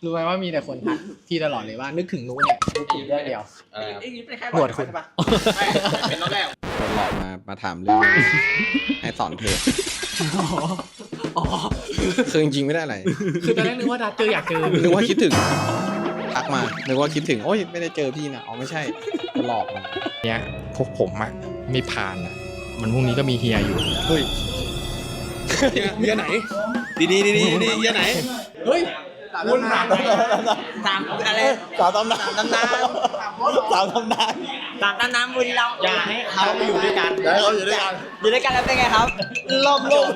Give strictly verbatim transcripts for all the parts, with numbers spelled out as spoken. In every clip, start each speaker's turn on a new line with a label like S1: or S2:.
S1: รู้ไหมว่ามีแต่คนทักพี่ตลอดเลยว่านึกถึงนู้นเนี่ยนึกถึงเรื่องเดียวหนวดคุณ
S2: เป็นน้องแรก
S3: คนหลอกมามาถามเรื่อง ให้สอนเพลง
S1: อ๋อ
S3: คือจริงๆไม่ได้อะไร
S1: คือตอนแรกนึกว่าดัดเจออยากเจอ
S3: นึกว่าคิดถึงทักมานึกว่าคิดถึงโอ้ยไม่ได้เจอพี่นะอ๋อไม่ใช่หลอกมา
S1: เนี้ยพวกผมอะไม่ผ่านอะมันพรุ่งนี้ก็มีเฮียอยู่
S3: เฮ้ยเฮียไหนดีดีดีดีดีเฮียไหน
S1: เฮ้ย
S3: วุ่นวาย
S2: ตามอะไร
S3: สาวตำนานตำนานสาวตำนาน
S2: ตามตามน้ำบุญเราอย่าให้เขาไปอยู่ด้วยกัน
S3: แล้วเขาอยู่ด้วยกัน
S2: อยู่ด้วยกันแล้วเป็นไงครับ
S3: รอบโลก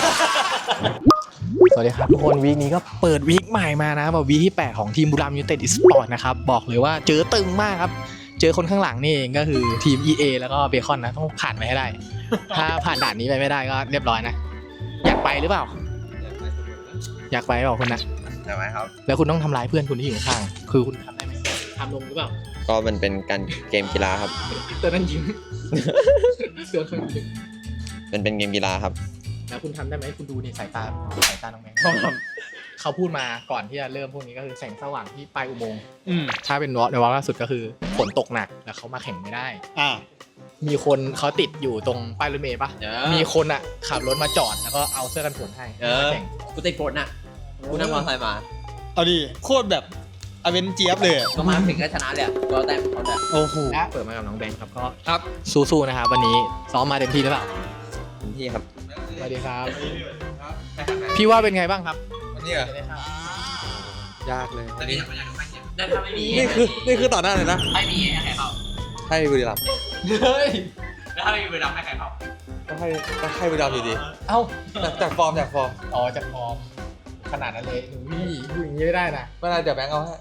S1: สวัสดีครับทุกคนวีคนี้ก็เปิดวีคใหม่มานะแบบวีคที่แปดของทีมบุรีรัมย์ยูไนเต็ดอีสปอร์ตนะครับบอกเลยว่าเจอตึงมากครับเจอคนข้างหลังนี่เองก็คือทีม อี เอ แล้วก็เบคอนนะต้องผ่านไปให้ได้ ถ้าผ่านด่านนี้ไปไม่ได้ก็เรียบร้อยนะอยากไปหรือเปล่า อยากไปเปล่าคุณนะ
S3: ใช่ไหมครับ
S1: แล้วคุณต้องทำร้ายเพื่อนคุณที่อยู่ข้างๆคือคุณทำได้ไหมทำลงหรือเปล่า
S3: ก็มันเป็นการเกมกีฬาครับ
S1: เตือนนั่นยิ้มเตือนคนยิ้ม
S3: เป็นเป็นเกมกีฬาครับ
S1: แล้วคุณทำได้ไหมคุณดูนี่สายตาสายตาน้องแมงเขาพูดมาก่อนที่จะเริ่มพวกนี้ก็คือแสงสว่างที่ปลายอุโมงค์ถ้าเป็นวอลในวอลล่าสุดก็คือฝนตกหนักแล้วเขามาแข่งไม่ได้
S3: อ่า
S1: มีคนเขาติดอยู่ตรงป้ายรถเมล์ปะมีคนอ่ะขับรถมาจอดแล้วก็เอาเสื้อกันฝนให้มาแข่ง
S2: กูติดฝนน่ะกูนั่งมอเตอร์ไซค์มา
S3: เอาดิโคตรแบบอเวนเจี๊ยบเลย
S2: ก็มาถึงก็ชนะเลยกูเอาแต้มเขาแต่
S3: โอ้โห
S1: และเปิดมากับน้องแบงค์ครับก็
S3: ครับ
S1: สู้ๆนะครับวันนี้ซ้อมมาเต็มที่หรือเปล่า
S3: พี่ครับ
S1: สวัสดีครับพี่ว่าเป็นไงบ้างครับ
S3: วันนี้
S1: จะได้เข้าย
S3: ากเลย
S2: ได้ถ้าไม่มี
S3: นี่คือนี่คือต่อหน้าเลยนะ
S2: ไม่มีให้ใครเข้า
S3: ให้บุรีรัมย์
S1: เฮ้ย
S2: แล้วถ้าไม่มีเวลาให้ใครเข้า
S3: ก็ให้ก็ให้บุรีรัมย์อยู่ดี
S1: เอ้า
S3: จากจากฟอร์มจากฟอร์ม
S1: อ๋อจากฟอร์มขนาดนั้นเลยหนูพี่พูดอย่างนี้ไม่ได้นะ
S3: เมื่อไรเดี๋ยวแบงค์เอาให้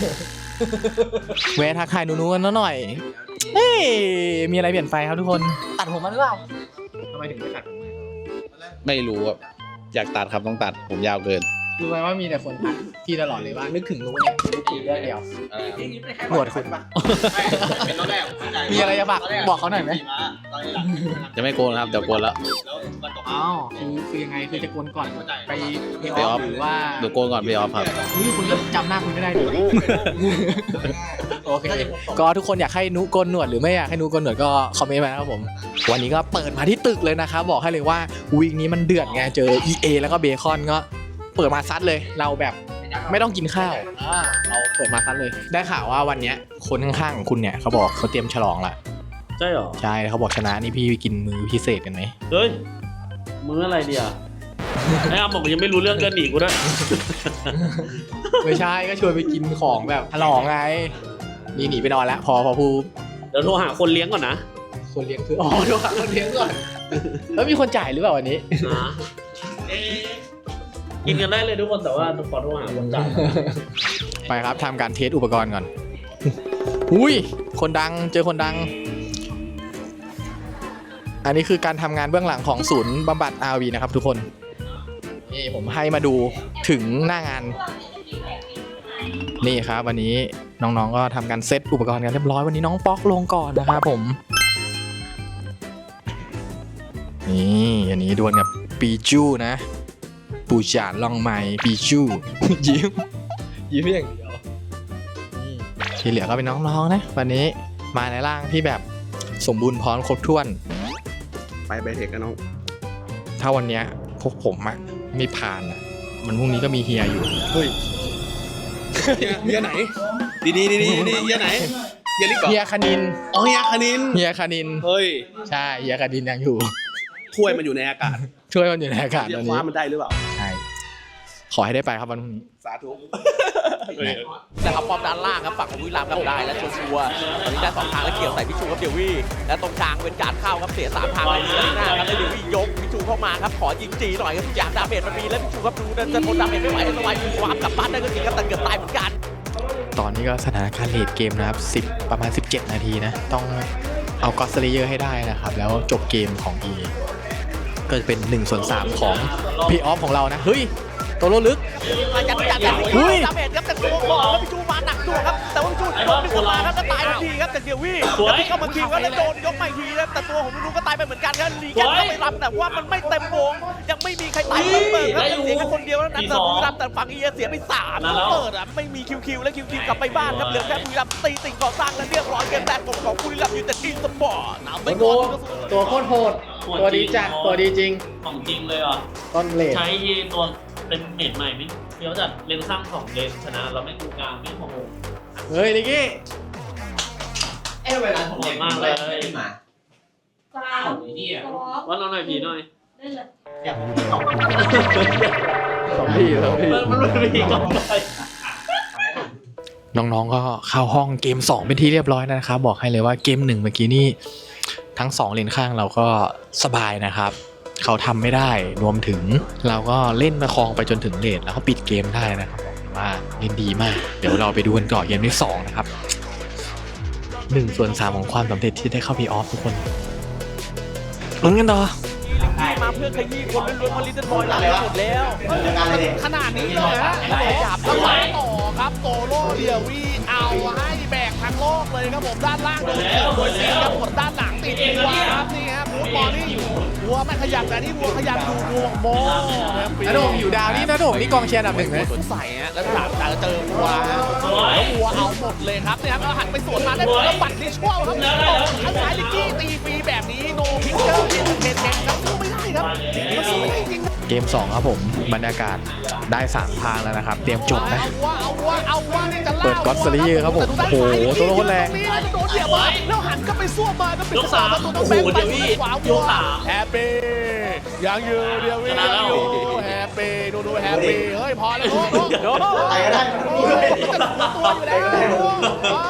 S1: แวะทักทายหนูๆกันหน่อยเฮ้ยมีอะไรเปลี่ยนไปครับทุกคนตัดผมมาหรือเปล่าทำไมถึงไม่ตัดผมมา
S3: ไม่รู้อ่ะอยากตัดครับต้องตัดผมยาวเกิน
S1: รู้ไหมว่ามีแต่คนทักพี่ตลอดเลยว่านึกถึงนู้นเนี่ยนึกถึงเรื่องเดียวหนวดคุณ
S2: เป็นน้องแรก
S1: มีอะไรจะบอกบอกเขาหน่อยไหม
S3: จะไม่โกนครับเดี๋ยวโกนแล้ว
S1: อ้าวคือคือยังไงคือจะโกนก่อนไปเพย์
S3: ไป
S1: อ
S3: อ
S1: อ
S3: อ
S1: ฟ
S3: ฟ
S1: หรือว่า
S3: เดี๋ยวโกนก่อนไปออฟครับ
S1: อุ๊ยคุณก็จำหน้าคุณไม่ได้ดิโอเคก็ทุกคนอยากให้นุโกนหนวดหรือไม่อยากให้นุโกนหนวดก็คอมเมนต์มานะครับผมวันนี้ก็เปิดมาที่ตึกเลยนะครับบอกให้เลยว่าวีคนี้มันเดือดไงเจอ อี เอ แล้วก็เบคอนก็เปิดมาซัดเลยเราแบบไม่ต้องกินข้าวเราเปิดมาซัดเลยได้ข่าวว่าวันเนี้ยคนข้างๆของคุณเนี่ยเขาบอกเขาเตรียมฉลองละ
S4: ใช่เหรอ
S1: ใช่เขาบอกชนะนี่พี่กินมื้อพิเศษกันไหม
S4: เฮ้ย มื้ออะไรเดียวไอ้อาบอกยังไม่รู้เรื่องกันหนีกูด้วย
S1: ไม่ใช่ก็ชวนไปกินของแบบฉลองไงนี่หนีไปนอนแล้วพอพอพู
S4: เดี๋ยวโทรหาคนเลี้ยงก่อนนะ
S1: คนเลี้ยงคืออ๋อโดนขังคนเลี้ยงก่อนแล้วมีคนจ่ายหรือเปล่าวันนี้
S4: นะเอ๊ะกินกันได้เลยทุกคนแต่ว่าขอโทรหาคนจ่าย
S1: ไปครับทำการเทสอุปกรณ์ก่อนอุ้ยคนดังเจอคนดัง อันนี้คือการทำงานเบื้องหลังของศูนย์บำบัด อาร์ วี นะครับทุกคนนี่ผมให้มาดูถึงหน้างานนี่ครับวันนี้น้องๆก็ทำการเซตอุปกรณ์กันเรียบร้อยวันนี้น้องป๊อกลงก่อนนะครับผมนี่อันนี้ดวลกับปีจูนะปูจานลองไม้ปีจู ยิ้มยิ้มอย่างเดียวนี่ที่เหลือก็เป็นน้องๆนะวันนี้มาในร่างที่แบบสมบูรณ์พร้อมครบถ้วน
S3: ไปไปเทคกันน้อง
S1: ถ้าวันเนี้ยพวกผมอะไม่ผ่านอะมันพรุ่งนี้ก็มีเฮียอยู่
S3: เฮ้ยเฮียไหนดีดีดีดีดีเฮียไหนเฮียลิกก่อน
S1: เฮียคณิน
S3: อ๋อเฮียคณิน
S1: เฮียคณิน
S3: เฮ้ย
S1: ใช่เฮียคณินยังอยู่
S3: ถ้วยมันอยู่ในอากาศ
S1: ช่วยมันอยู่ในอากาศ
S3: เรีย
S1: ต
S3: ก
S1: อน
S3: ค
S1: นี้
S3: ว้ามันได้หรือเปล่า
S1: ใช่ขอให้ได้ไปครับวันพรุ่งนี้
S3: สาธุ
S2: แต่ครับป้อมด้านล่างครับฝั่งของบุรีรัมย์ครับได้และชัวร์ๆตอนนี้ได้สองทางแล้วเกี่ยวใส่พิชูครับเดวี่และตรงกลางเป็นการเข้าครับเสียสามทางเลยด้านหน้าครับได้เดวี่ยกพิชูเข้ามาครับขอยิงจีหน่อยครับทุกอย่างดาเมจมันมีแล้วพิชูครับดูจะทนดาเมจไม่ไหวสวายมีความกลับบ้านได้ก็จริงครับแต่เกือบตายเหมือนกัน
S1: ตอนนี้ก็สถานการณ์เลดเกมนะครับสิบประมาณสิบเจ็ดนาทีนะต้องเอากอสเลเยอร์ให้ได้นะครับแล้วจบเกมของ อี เอ ก็จะเป็นหนึ่งส่วนสามของเพย์ออฟของเรานะเฮ้ยตัวโลลึก
S2: มายัดยัดยัด
S1: เฮ้ย
S2: ดาเมจครับแต่ตัวก่อนแล้วพิชูมาหนักตัวครับแต่ว่าพิชูโดนพิชูมาครับก็ตายทันทีครับเดจากเดียววี่
S4: สวย
S2: แล้วเข้ามาคิวกันแล้วโดนยกใหม่ทีนะแต่ตัวของนุ๊กก็ตายไปเหมือนกันครับลีแกนเข้าไปรับแต่ว่ามันไม่เต็มวงยังไม่มีใครตายเพิ่มเติมครับเสียแค่คนเดียวแล้วนั้นแต่บุรีรัมย์แต่ฝั่งเอียเสียไปสามเปิดอ่ะไม่มีคิวคิวและคิวคิวกลับไปบ้านครับเหลือแค่บุรีรัมย์ตีสิ่งก่อสร้างและเรียบร้อยเกมแรกของบุรีรัมย์อยู่แต่ทีมสปอร์ตนำไปก่อน
S1: ตัวโคตรโหดตัวดีจัดตัวดีจริง
S4: ของจริงเลยอ่ะ
S1: ต้นเลน
S4: ใช้ที่ตัวเป็นเมดใหม่ไม่เดี๋ยวจัดเลนสร้างของเลนชนะเราไม่กูกลางไม่โหด
S1: เฮ้ยนิกกี้
S5: เอ้เวลาผมเด็ก
S4: มากเลย
S5: ขึ้นมา
S6: สาม
S4: ไอ้เหี้ยว่าเราหน่อยผีหน่อย
S6: เล่นเลย
S5: อยาก
S1: สองพี่สองพี่
S4: มันมันมันผีก่อนไป
S1: น้องๆก็เข้าห้องเกมสองเป็นที่เรียบร้อยนะครับบอกให้เลยว่าเกมหนึ่งเมื่อกี้นี่ทั้งสองเลนข้างเราก็สบายนะครับเขาทำไม่ได้รวมถึงเราก็เล่นประคองไปจนถึงเลนแล้วก็ปิดเกมได้นะครับบอกเลยว่าเล่นดีมากเดี๋ยวเราไปดูกันต่อเกมที่สองนะครับหนึ่งส่วนสามของความสำเร็จที่ได้เข้าพีออฟทุกคนลุ้นกันต่อ
S2: มาเพื่อขยี้คนล้วนๆมาลิตเติ้ลบอยหลังหมดแล้ว
S7: ขนาดนี้เลยฮะ
S2: หยาบ
S7: แล้ว
S2: เข้า
S7: ไป
S2: มา
S7: ต่อครับโตโร่เดียวีเอาให้แบกทั้งโลกเลยครับผมด้านล่างโดนเกี่ยวโดนซีครับกดด้านหลังติดวัวครับนี่ครับฟูดบอลนี่วัวไม่ขยับแต่นี่วัวขยับดูวัวโม่ครับ
S1: นาโดมอยู่ดาวนี่นาโดมนี่กองเชียร์อันดับหนึ่งนะ
S7: สวนใส่ฮะแล้วหลังแต่เจอวัวฮะแล้ววัวเอาหมดเลยครับเนี่ยครับแล้วหันไปสวนมาได้ผลแล้วบัตรนี่ช่วงครับข้างซ้ายลิกกี้ตีฟรีแบบนี้โนพิกเกอร์เป็นเทนเทนครับสู้ไม่ได้ครับมันสู้ไม่ได้จริง
S1: เกมสองครับผมบรรยากาศได้สามทางแล้วนะครับเตรียมจบนะ
S7: เอาว่าเอาว่าเอาว่านี่จะล่า
S1: เปิดก๊อตสลีเยอร์ครับผมโอ้โหตัวโคตรแรง
S7: ตนี้แล้วจะโดนเหยียบมาแล้วหันก็ไปซ่วมมาก็เป็น
S4: ยกสาม
S7: ตัว
S4: โอ้โหเดี๋ยวนี้
S7: ขวาย
S4: กสาม
S7: แฮปปี้ยังอยู่เดียววิ่งยังอยู่แฮปปี้ดูดูแฮปปี้เฮ้ยพอแล้วโอ้โห
S2: โดน
S5: ไปก็ได้
S7: โอ้ยมันจะตัวอยู่แล้วว้าว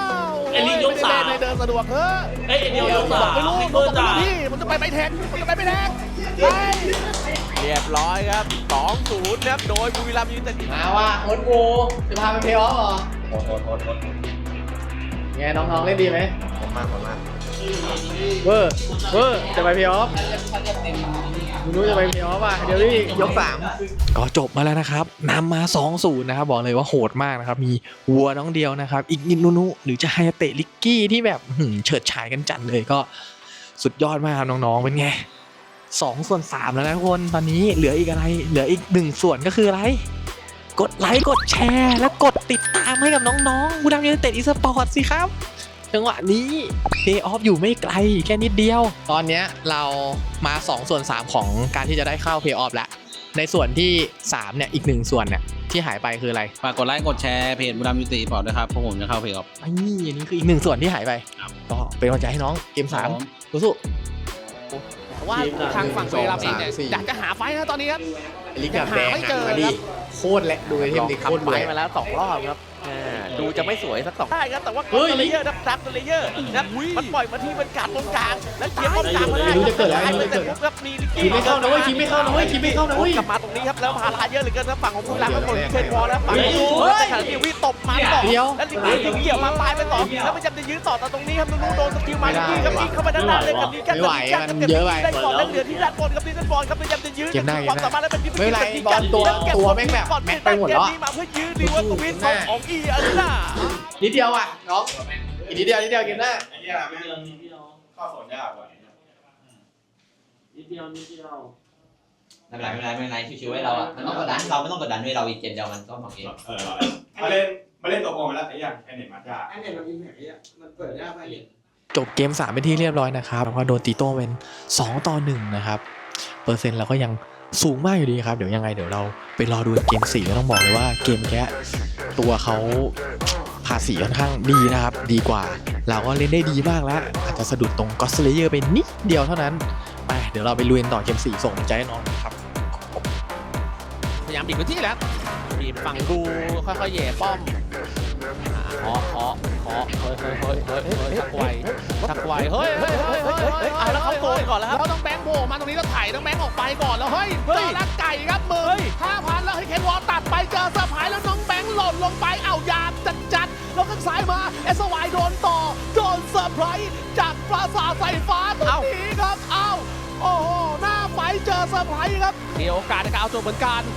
S4: ไอ้ลิงยกสาม
S7: ไม่ได้เดินสะดวกเฮ้ย
S4: เอ้ยไอเดียวยกสาม
S7: ไม่รู้
S4: ให้
S7: มัน
S4: เพื่อ
S7: จะ
S4: จ่า
S7: พี่มันจะไปไม่แทงมันจะไปไม่แทงไป
S2: เรียบร้อยครับ สองศูนย์ ครับ โดยบุรีรัมย์ยูไนเต็ด
S1: มาว่าโค้ชกูจะพาไปเพลย์ออฟเหรอ
S5: โหดโหดโหดโหด
S1: ไงน้องๆเล่นดีไหม
S5: ผมมากผมมาก
S1: เวอร์เวอร์จะไปเพลย์ออฟมึงรู้จะไปเพลย์ออฟป่ะเดี๋ยวพี่ยกสามก็จบมาแล้วนะครับนำมา สองศูนย์ นะครับบอกเลยว่าโหดมากนะครับมีวัวน้องเดียวนะครับอีกนิดนุนุหรือจะไฮเตะลิกกี้ที่แบบหืมเฉิดฉายกันจัดเลยก็สุดยอดมากครับน้องๆเป็นไงสองส่วนสามแล้วนะทุกคนตอนนี้เหลืออีกอะไรเหลืออีกหนึ่งส่วนก็คืออะไรกดไลค์กดแชร์และกดติดตามให้กับน้องๆบุรีรัมย์ยูไนเต็ดอีสปอร์ตสิครับจังหวะนี้เพย์ออฟอยู่ไม่ไกลแค่นิดเดียวตอนนี้เรามาสองส่วนสามของการที่จะได้เข้าเพย์ออฟแล้วในส่วนที่สามเนี่ยอีกหนึ่งส่วนเนี่ยที่หายไปคืออะไร
S3: ฝากกดไลค์กดแชร์เพจบุรีรัมย์ยูไนเต็ดพอร์ตด้วยครับเพราะผมจะเข้าเพจครับ
S1: ไอ้นี่อันนี้คืออีกหนึ่งส่วนที่หายไปก็เป็นกำลังใจให้น้องเกมสามสู้
S7: แต่ว่าทางฝั่งเวลาเองเนี่ย
S1: สองสามสี่
S7: อยากจะหาไฟนะตอนนี้ครับ
S1: ลิกกับแดง
S7: หาไม่เจอ
S1: มาดิโคตรแหละดูไอเทมดิโคตร
S2: ทำไป
S1: รวย
S2: มาแล้วสองรอบครับอ่าดูจะไม่สวยสักสองได้ครับ แต่ว่า
S1: เฮ้ย
S2: เลเยอร์นะดับเลเยอร์นะมันปล่อยมาที่บรรยากาศตรงกลาง แล้วเกียร์ป้อมกลางมาได้
S1: ไม่รู้จะเกิดอะไร
S2: ไม่
S1: ไม่รู้จะเกิด
S2: ปุ๊บครับมีลิก
S1: คิ
S2: กี้
S1: ดไม่เข้านะเว้ยคิดไม่เข้านะเว้ยคิดไม่เข้านะเว้ย
S2: กลับมาตรงนี้ครับแล้วพาราเยอะเหลือเกินครับฝั่งของผู้รักครับผมเชนวอลแล้วฝั่ง
S4: เฮ้ย
S2: ของเฮ้ยขณะที่วิตบมาต่อ
S1: เดี๋ยว
S2: แล้วลิกกี้ยิงเกี่ยวมาตายไปต่อแล้วพยายามจะยื้อต่อแต่ตรงนี้ครับนูโดนสกิลมาลิกกี้ครับยิงเข้าไปด้านหน้าเลยกับนี้กัน
S1: ไม่ไหว
S2: กับ
S1: มัน
S2: กับ
S1: เยอะไป
S2: ได้ก่อนแล้วเหลือที่ด้านบนครับที่ด้านบนครับพยายามจะยื้อ
S1: เกมหน้า
S2: ความสามารถแล้วเป็นที่
S1: ไม่เป็นไรบอลตัวตัวแม่งแบบแม็กไปหมดแล้วอะ
S2: เกนี้มาเพื่อยื้อดีว่าตวินของของอีอารีนา
S1: นิดเดียวอ่ะน้องอีกนิดเดียวนิดเดียวเกมหน้า
S5: ไอ้เหี้ย
S4: นิ
S5: แม่
S4: ดเดียวนิดเดียว
S5: ข้อสอนยากกว่า
S4: นิดเดียวนิดเดียว
S5: ไม่เป็นไรไม่เป็นไรไม่เป็นไรชิวๆให้เราอ่ะมันต้องกดดันเราไม่ต้องกดดันด้วยเราอีกเกมเดียวมันก็ของเอง
S8: เออมาเล่นมาเล่นตัวโกงมาแล้วไอ้ยังไอ้เน็ตมาจ้า
S5: ไอ้เนี่ยมันยิงแบบนี้มันเปิดยากไปเนี่ย
S1: จบเกมสามเป็นที่เรียบร้อยนะครับแล้วก็โดนตีโต้เป็นสองต่อหนึ่งนะครับเปอร์เซ็นต์เราก็ยังสูงมากอยู่ดีครับเดี๋ยวยังไงเดี๋ยวเราไปรอดูเกมสี่ก็ต้องบอกเลยว่าเกมแค่ตัวเขาภาษีค่อนข้างดีนะครับดีกว่าเราก็เล่นได้ดีมากแล้วอาจจะสะดุดตรงก็อตสเลเยอร์ไปนิดเดียวเท่านั้นไปเดี๋ยวเราไปลุยกันต่อเกมสี่ส่งใจให้น้องครับ
S7: พยายามบิดพื้นที่แล้วบีบฝั่งดูค่อยๆแย่ป้อมเคาะเคาะเคาะเฮ้ยเฮ้ยเฮ้ยเฮ้ยเฮ้ยชักไวชักไวเฮ้ยเฮ้ยเฮ้ยเฮ้ยเฮ้ย
S2: เอาแล้วเขาโกนก่อนแล้วครับ
S7: แล้วต้องแบงค์โผล่มาตรงนี้แล้วไถ่ต้องแบงค์ออกไปก่อนแล้วเฮ้ยเจอลักไก่ครับมือห้าพันแล้วให้เคนวอลตัดไปเจอเซอร์ไพรส์แล้วน้องแบงค์หล่นลงไปเอายามจัดจัดแล้วข้างซ้ายมาเอสวายโดนต่อโดนเซอร์ไพรส์จากปราสาทไฟฟ้าตรงนี้ครับเอ้าโอ้โหหน้าไฟเจอเซอร์ไพรส์ครับมีโอกาสในการเอาตัวเหมือนกัน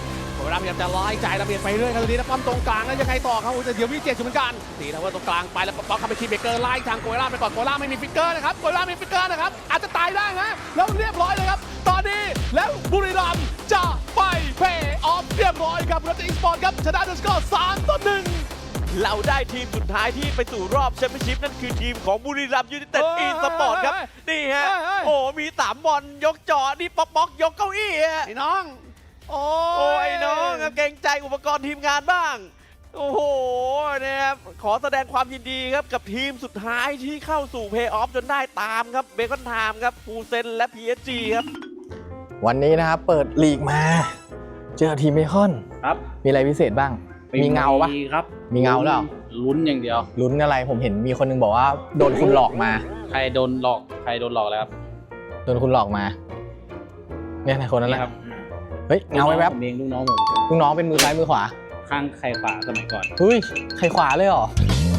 S7: เวลาพยายามจะไล่จ่ายระเบียดไปเรื่อยครับตรงนี้นะปั๊มตรงกลางแล้วยังไงต่อครับแต่เดี๋ยวมีเจ็ดอยู่เหมือนกันตีนะว่าตรงกลางไปแล้วป๊อกเข้าไปคีเบเกอร์ไล่ทางโกยล่าไปก่อนโกยล่าไม่มีฟิกเกอร์นะครับโกยล่ามีฟิกเกอร์นะครับอาจจะตายได้นะแล้วเรียบร้อยเลยครับตอนนี้แล้วบุรีรัมย์จะไปเพย์ออฟเรียบร้อยครับรัตอีสปอร์ตครับชนะด้วยสกอร์สามต่อหนึ่ง
S2: เราได้ทีมสุดท้ายที่ไปสู่รอบแชมเปี้ยนชิพนั่นคือทีมของบุรีรัมย์ยูไนเต็ดอีสปอร์ตครับนี่ฮะโอ้มีสามบอลยกจอนี่ป๊อกป๊อกยกเก้าอี้ฮะ
S7: ไอ้น้องโอ้
S2: โอ้ยน้องครับเกรงใจอุปกรณ์ทีมงานบ้างโอ้โหนะครับขอแสดงความยินดีครับกับทีมสุดท้ายที่เข้าสู่เพย์ออฟจนได้ตามครับเบคอนไทม์ครับฟูเซนและ พี เอส จี ครับ
S1: วันนี้นะครับเปิดลีกมา เจอทีมเบคอน
S6: ครับ
S1: มีอะไรพิเศษบ้าง มีเงาปะ
S6: มีครับ
S1: มีเงาแล้ว
S6: ลุ้นอย่างเดียว
S1: ลุ้นอะไรผมเห็นมีคนนึงบอกว่าโดนคุณหลอกมา
S6: ใครโดนหลอกใครโดนหลอกแล้วครับ
S1: โดนคุณหลอกมาเนี่ยนะคนนั้นแหละ
S6: ครับ
S1: เฮ้ยเงาไว้แวบ
S6: ผมเองลูกน้องผม
S1: ลูกน้องเป็นมือซ้ายมือขวา
S6: ข้างใครขวาสมัยก่อน
S1: เฮ้ยใครขวาเลยเหรอ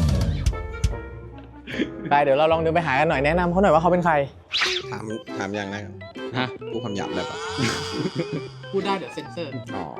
S1: ไปเดี๋ยวเราลองเดินไปหากันหน่อยแนะนำเขาหน่อยว่าเขาเป็นใคร
S3: ถามถามอย่างนะครับ
S6: ฮะ
S3: พูดคำหยาบเลยปะ
S1: พูดได้เดี๋ยวเซ็นเซอร์
S3: อ๋อ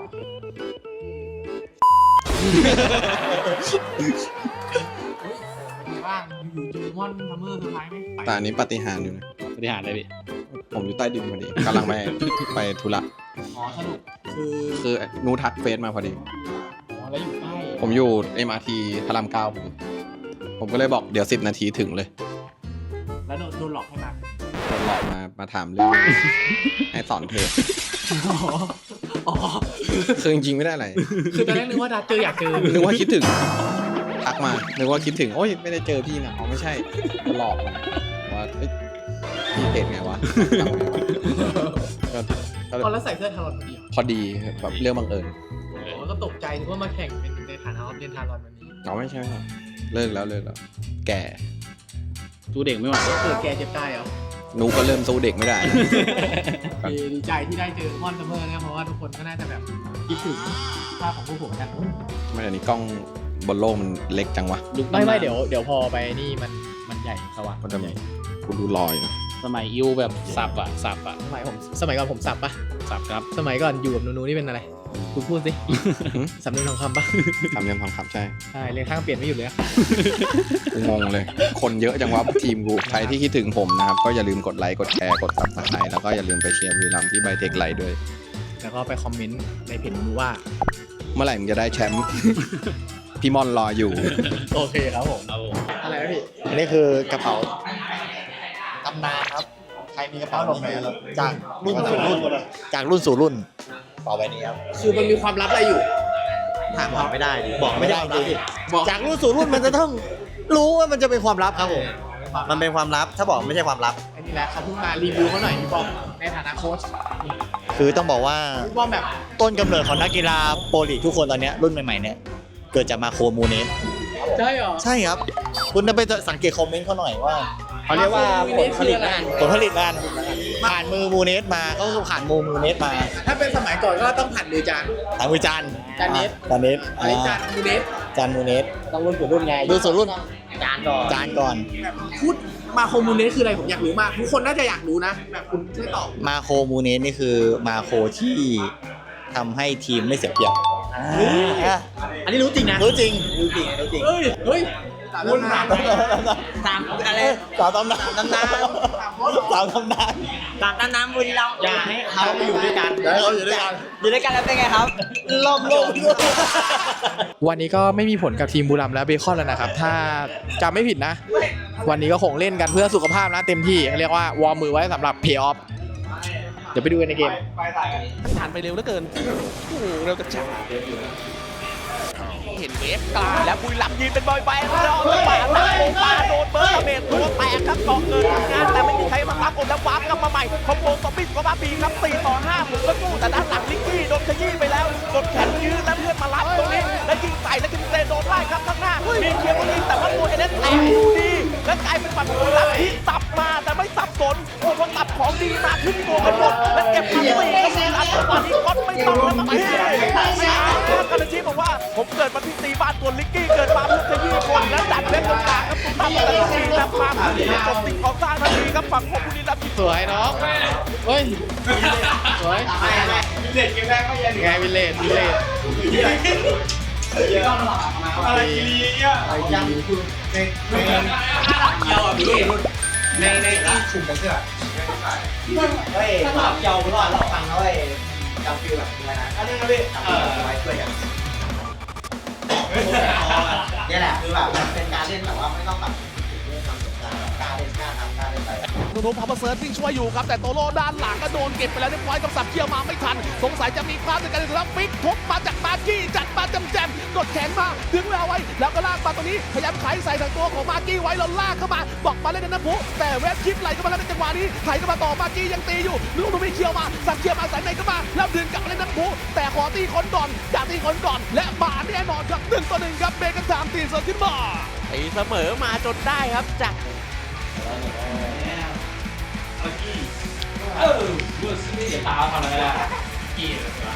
S1: บ้างอยู่จูมอนทัมเมอร์สุดท้ายไหม
S3: แต่อันนี้ปาฏิหาริย์อยู่นะ
S6: บริหารเลยพี่
S3: ผมอยู่ใต้ดินพอดีกำลังไปไปธุระ
S1: อ๋อสรุปคือ
S3: คือนูทักเฟซมาพอดี
S1: อ๋อแล้วอยู่ใกล้
S3: ผมอยู่ เอ็ม อาร์ ที พระรามเก้าผม ผมก็เลยบอกเดี๋ยวสิบนาทีถึงเลย
S1: แล้วโดนโดนหลอกให้มา
S3: โดนหลอกมามาถามเรื่อง ให้สอนเพจ
S1: อ๋อ
S3: คือจริงๆไม่ได้อะไร
S1: คือตอนแรกนึกว่าดัดเจออยากเจอ
S3: นึกว่าคิดถึงทักมานึกว่าคิดถึงโอ้ยไม่ได้เจอพี่นะอ๋อไม่ใช่หลอกมาว่าเอ้ยพี่เพจไงวะทำไงวะก็ก็
S1: ตอนแล้วใส่เสื้อทารอนพอดี
S3: พอดีแบบเรื่องบังเอิญ
S1: อ๋อก็ตกใจนึกว่ามาแข่งเป็นในฐานะออฟเรียนทารอนวันนี้
S3: อ๋อไม่ใช่ไม่ใช่เลิกแล้วเลิกแล้วแก่
S6: สู้เด็กไม่ไหว
S1: เกิดแกเจ็บตายเหรอ
S3: หนูก็เริ่มสู้เด็กไม่ได้
S1: ดีดีใจที่ได้เจอมอนซัมเมอร์เนี่ยเพราะว่าทุกคนก็น่าจะแบบคิดถึงภาพของพวกผมกัน
S3: ไม่เดี๋ยวนี้กล้องบนโลกมันเล็กจังวะ
S6: ลุก
S1: ไม่ไม่
S6: ตำนาน
S1: เดี๋ยวเดี๋ยวพอไปนี่มันมันใหญ่สว่าง
S3: มันจะกูดูลอยนะ
S6: สมัยอิวแบบสับอะสับอะ
S1: สมัยผมสมัยก่อนผมสับปะ
S6: สับครับ
S1: สมัยก่อนอยู่กับนูนูนี่เป็นอะไรคุณพูดสิสำเนียงทองคำปะ
S3: ทำยังทองคำใช่
S1: ใช่เรียนข้างเปลี่ยนไม่หยุดเลยอะ
S3: กูงงเลย คนเยอะจังวะทีมกูใครที่คิดถึงผมนะครับก็อย่าลืมกดไลค์กดแชร์กดซับสไครต์แล้วก็อย่าลืมไปเชียร์บุรีรัมย์ที่ไบเทคไลท์ด้วย
S1: แล้วก็ไปคอมเมนต์ในเพจนูนูว่า
S3: เมื่อไหร่มึงจะได้แชมป์ พี่มอนรออยู่
S1: โอเคครับผม
S6: เอา
S1: อะไรนะพี่
S9: อันนี้คือกระเป๋าตำนานครับ ใครมีกระเป๋าหลบไหนจากรุ่นสู่รุ่น จากรุ่นสู่รุ่นกระเป๋าใบนี้ครับ
S1: คือมันมีความลับอะไรอยู่
S9: ถามบอกไม่ได้ดิบอกไม่ได้จริงจากรุ่นสู่รุ่นมันจะต้องรู้ว่ามันจะเป็นความลับครับผม มันเป็นความลับ ถ้าบอกไม่ใช่ความลับ
S1: อันนี้แหละเขาเพิ่งมารีวิวเขาหน่อยพี่บอมในฐานะโค้ช
S9: คือต้องบอกว่า
S1: พี่บอมแบบ
S9: ต้นกำเนิดของนักกีฬาโปรลีกทุกคนตอนเนี้ยรุ่นใหม่ๆเนี่ยเกิดจากมาโคมูเนส
S1: ใช่เหรอ
S9: ใช่ครับ คุณจะไปสังเกตคอมเมนต์เขาหน่อยว่า
S1: เขาเรียกว่าผลผลิตงาน
S9: ผลผลิตงานผ่านมือมูเนสมาก็คือผ่านมือมูเนสมา
S1: ถ้าเป็นสมัยก่อนก็ต้องผ่านมือจาน
S9: ทางมือจาน
S1: จานเนส
S9: จานเนส
S1: อันนี้จานมูเนส
S9: จานมูเนส
S1: ต้องรุ่นสู่รุ่นไง
S9: รุ่นสู่รุ่น
S1: จานก่อน
S9: จานก่อน
S1: พูดมาโคมูเนสคืออะไรผมอยากรู้มากทุกคนน่าจะอยากรู้นะแบบคุณช่วยตอบ
S9: มาโคมูเนสนี่คือมาโคที่ทำให้ทีมไม่เสียเปรียบอ่ะ
S1: อันนี้รู้จริงนะ
S9: รู้จริงรู้จริงรู้จริง
S1: เฮ้ยเฮ้ยสามตำนาน
S9: สามอะไรสามตำนานตำนานสามตำนาน
S5: ตามน้ำบุรีรัมย์
S9: อย่าให้เขาไปอยู่ด้วยกันอย่าให้เขาอยู่ด้วยกัน
S5: อยู่ด้วยกันแล้วเป็นไงครับ
S9: ล่มลม
S1: วันนี้ก็ไม่มีผลกับทีมบุรีรัมย์และเบคอนแล้วนะครับ ถ้าจำไม่ผิดนะ วันนี้ก็คงเล่นกันเพื่อสุขภาพนะเต็มที่เรียกว่าวอร์มมือไว้สำหรับเพย์ออฟเดี๋ยวไปดูกันในเกม
S7: ผ่านไปเร็วเหลือเกินโอ้โหเร็วกระจายเห็นเวฟกลาง
S2: และบุรีรัมย์ยืนเป็นบอยแบนด์รอแล้วป่าตาโมปาโดนเบิร์ดเมทตัวแตกครับเกาะเกินทำงานแต่ไม่มีใครมารับอดแล้ววาร์ปกลับมาใหม่คอมโบซอมบี้ก็มาบีครับสี่ต่อห้าผมก็สู้แต่ด้านหลังลิกกี้โดนขยี้ไปแล้วกดแขนยืนแล้วเพื่อนมารับตรงนี้แล้วยิงใส่แล้วกินเซโดนไล่ครับข้างหน้ามีเคียร์คนนี้แต่ว่าตัวเอเดนแตกอยู่ดีและกลายเป็นฝั่งของบุรีรัมย์ที่สับมาแต่ไม่สับสนโอ้พอสับของดีมาขึ้นตัวกันหมดและเก็บมาสี่ก็บุรีรัมย์จังหวะนี้ก็ไม่ต้องแล้วมาไม่ได้กันอาชีพบอกว่าผมเกิดมาที่ตีบ้านตัวลิกกี้เกิดมาเพื่อขยี้คนและดันเล่นตรงกลางครับตุ้มตั้มแต่ละทีนับมาเพื่อจบสิ่งของสร้างทันทีครับฝั่งของบุรีรัมย์
S1: สวยน้องเฮ้ยสวย
S8: เด็ดเกมแรกก็ยัง
S1: ไงวิลเลจวิลเลจ
S8: อะไรกีรีเนี่ย
S9: ยังคือในในเยาอ่ะพี่ในในที่ชุมกันเชื่อเฮ้ยเยาเพราะว่าเราฟังแล้วเฮ้ยจำฟิลแบบอะไรนะอันนี้ครับพี่จำฟิลไว้ช่วยกันนี่แหละคือแบบมันเป็นการเล่นแบบว่าไม่ต้องแบบเรื่องความสนใจกล้าเล่นกล้าทำกล้าเล่นไป
S7: นุนุพับเซิร์ฟวิ่งช่วยอยู่ครับแต่โตโร่ด้านหลังก็โดนเก็บไปแล้วเรียบร้อยกับสับเคียวมาไม่ทันสงสัยจะมีพลาดในการเล่นแล้วฟิกทุบมาจากมาร์กี้จัดมาจำแจมกดแขนมาดึงเอาไว้แล้วก็ลากมาตรงนี้พยายามไขใส่ทางตัวของมาร์กี้ไว้แล้วลากเข้ามาบอกมาเล่นในน้ำพุแต่เวฟชิปไหลเข้ามาแล้วในจังหวะนี้ไขเข้ามาต่อมาร์กี้ยังตีอยู่นุนุไม่เคียวมาสับเคียวมาใส่ในเข้ามาแล้วดึงกลับมาเล่นน้ำพุแต่ขอตีคนก่อนอยากตีคนก่อนและมาแน่นอนครับหนึ่งต่อหนึ่งครับเบกันสามตีเสริมขึ้นมา
S2: ตีเสมอมาจนได้ครับจาก
S4: เออดูสิเดี๋ยวตาทำอะไรได้กี่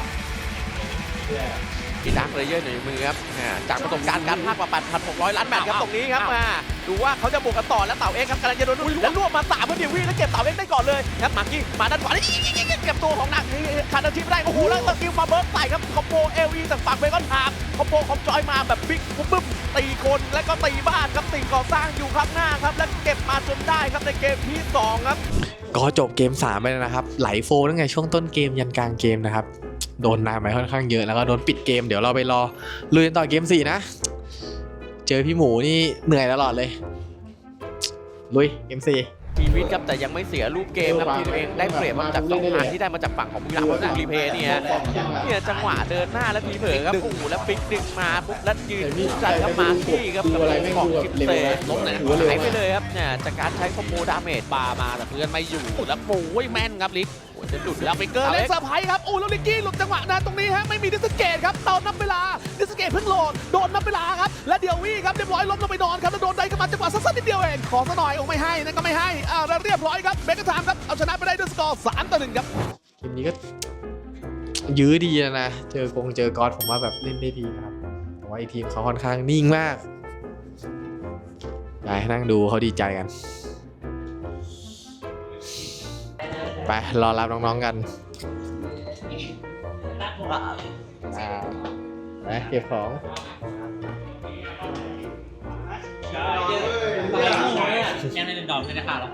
S2: ที่ดักเลเยอร์ในมือครับอ่าจากประสบการณ์การพากย์มา แปดพันหกร้อย ล้านแมตช์ครับตรงนี้ครับมาดูว่าเขาจะบวกกันต่อแล้วเต่าเอ็กครับกำลังจะโดนแล้วรวบมาสามเพื่อเดียววิ่งแล้วเก็บเต่าเอ็กได้ก่อนเลยครับมาร์กี้มาด้านขวาแล้วเก็บตัวของหนักคาร์ดทีไม่ได้โอ้โหแล้วตะกิ้วมาเบิร์กใส่ครับคอมโบเอลีจากฝั่งเบคอนทามคอมโบของจอยมาแบบบิ๊กปุ๊บตีคนแล้วก็ตีบ้านครับสิ่งก่อสร้างอยู่ข้างหน้าครับและเก็บมาจนได้ครับในเกมที่สองครับ
S1: ก็จบเกมสามไปแล้วนะครับไหลโฟตั้งแต่ช่วงต้นเกมยันกลางเกมนะครับโดนนานไปค่อนข้างเยอะแล้วก็โดนปิดเกมเดี๋ยวเราไปรอลุยกันต่อเกมสี่นะเจอพี่หมูนี่เหนื่อยตลอดเลยลุยเกมสี่
S2: ชีวิตครับแต่ยังไม่เสียลูกเกมครับทีมเองได้เปรียบมาจากสองทางที่ได้มาจากฝั่งของบุรีรัมย์แล้วรีเพย์เนี่ยเนี่ยจังหวะเดินหน้าแล้วทีเผลอครับโอ้โหแล้วปิกดึงมาปุ๊บแล้วยืนคู่ใจครับมาที่ครับกับของคิปเซ่ล้มเลยนะหายไปเลยครับเนี่ยจากการใช้คอมโบดาเมจ
S4: ปามาแต่เพื่อนไม่อยู่แล้วโอ้ยแม่นครับลิกจะดุดแล้วไปเกิ
S7: เกิ
S4: น
S7: ร์
S4: เล
S7: เล่
S4: ย
S7: นเซอร์ไพรส์ครับโอ้แล้วลิกกี้หลุดจังหวะนั้นตรงนี้ฮะไม่มีดิสเกตครับตอนนับเวลาดิสเกตเพิ่งโหลดโดนนับเวลาครับและเดียววี่ครับเรียบร้อยล้มลงไปนอนครับแล้วโดนได้เข้ามาจังหวะสั้นๆนิดเดียวเองขอซะหน่อยโอ้ไม่ให้นั่นก็ไม่ให้อ่าแล้วเรียบร้อยครับเบคกระทามครับเอาชนะไปได้ด้วยสกอร์สามต่อหนึ่งครับ
S1: เกมนี้ก็ยื้อดีนะนะเจอกงเจอกอสผมว่าแบบเล่นได้ดีนะครับแต่ว่าอีกทีมเขาค่อนข้างนิ่งมากไปนั่งดูเขาดีใจกันไปรอรับน้องๆกันอ่าไปเก็บของ
S4: ยังในดอกไม่ได้ขาดหรอ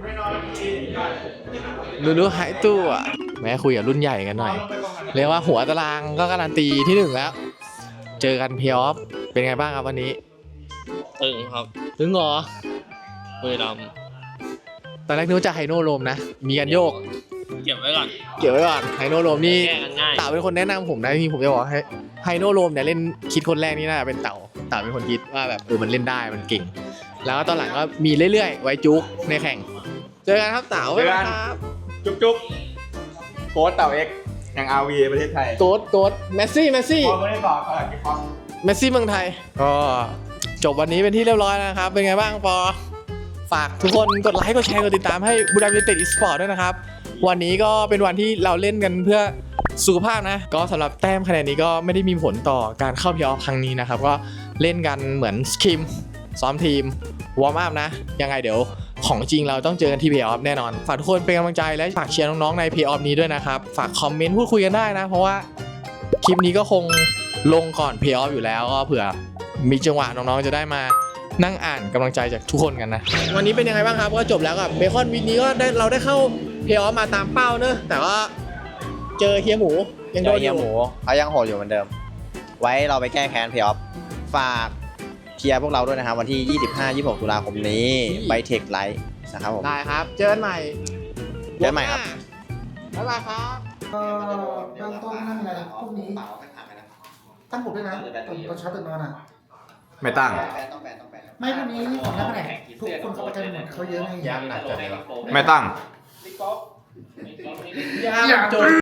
S1: ดูดูหายตัวแม้คุยกับรุ่นใหญ่กันหน่อยเรียกว่าหัวตารางก็การันตีที่หนึ่งแล้วเจอกันเพย์ออฟเป็นไงบ้างครับวันนี้
S4: ตึงครับ
S1: ถึงเหรอ
S4: บุรีรัมย์
S1: ตอนแรกนึกว่าจะไฮโนโรมนะมีกันโยก
S4: เก็บไว้ก่อน
S1: เกี่ยวไว้ก่อนไฮโนโรมนี่
S4: แก้กันง่าย
S1: เต่าเป็นคนแนะนำผมนะที่ผมจะบอกให้ไฮโนโรมเนี่ยเล่นคิดคนแรกนี่น่าจะเป็นเต่าเต่าเป็นคนคิดว่าแบบเออมันเล่นได้มันเก่ง แล้วก็ตอนหลังก็มีเรื่อยๆไว้จุกในแข่งเจอกันครับเต่า
S8: เจอกัน
S1: ครับ
S8: จุ๊บจุ๊บโค้ชเต่าเอ็กแห่งอาร์วีประเทศไทย
S1: โกดโกดเมสซี่เมสซี่
S8: พอไม่ได้ต่อตลาดกิฟต์
S1: เมสซี่เมืองไทยก็จบวันนี้เป็นที่เรียบร้อยแล้วนะครับเป็นไงบ้างปอฝากทุกคนกดไลค์กดแชร์กดติดตามให้บุรีรัมย์ยูไนเต็ดอีสปอร์ตด้วยนะครับวันนี้ก็เป็นวันที่เราเล่นกันเพื่อสุขภาพนะก็สำหรับแต้มคะแนนนี้ก็ไม่ได้มีผลต่อการเข้าเพลย์ออฟครั้งนี้นะครับก็เล่นกันเหมือนสคิมซ้อมทีมวอร์มอัพนะยังไงเดี๋ยวของจริงเราต้องเจอกันที่เพลย์ออฟแน่นอนฝากทุกคนเป็นกำลังใจและฝากเชียร์น้องๆในเพลย์ออฟนี้ด้วยนะครับฝากคอมเมนต์พูดคุยกันได้นะเพราะว่าคลิปนี้ก็คงลงก่อนเพลย์ออฟอยู่แล้วก็เผื่อมีจังหวะน้องๆจะได้มานั่งอ่านกำลังใจจากทุกคนกันนะวันนี้เป็นยังไงบ้างครับก็จบแล้วกับเบคอนวีคนี้ก็ได้เราได้เข้าเพลย์ออฟมาตามเป้าเนอะแต่ว่าเจอเฮียหมูยังโดนอ
S9: เฮีย
S1: ยู่
S9: หมูเขายังโหดอยู่เหมือนเดิม ไว้เราไปแก้แค้นเพย์ออฟฝากเชียร์พวกเราด้วยนะครับวันที่ ยี่สิบห้า ยี่สิบหก ตุลาคมนี้ไบเทคไลท์นะครับผม
S1: ได้ครับเจอกันใหม่
S9: เจอกันใหม่ครับ
S1: บ๊ายบายครับ
S10: เอ่อเบื้องต้นนั่นอะไรพวกนี้ตั้งผมด้วยนะตอนตอนเช้าตื่นนอนอ่ะ
S8: ไม่ตั้ง
S10: ไม่พวกนี้ของนักแสดงทุกคนเขาประจำหมดเขาเยอะไง
S8: ไม่ตั้ง
S1: อย่าจน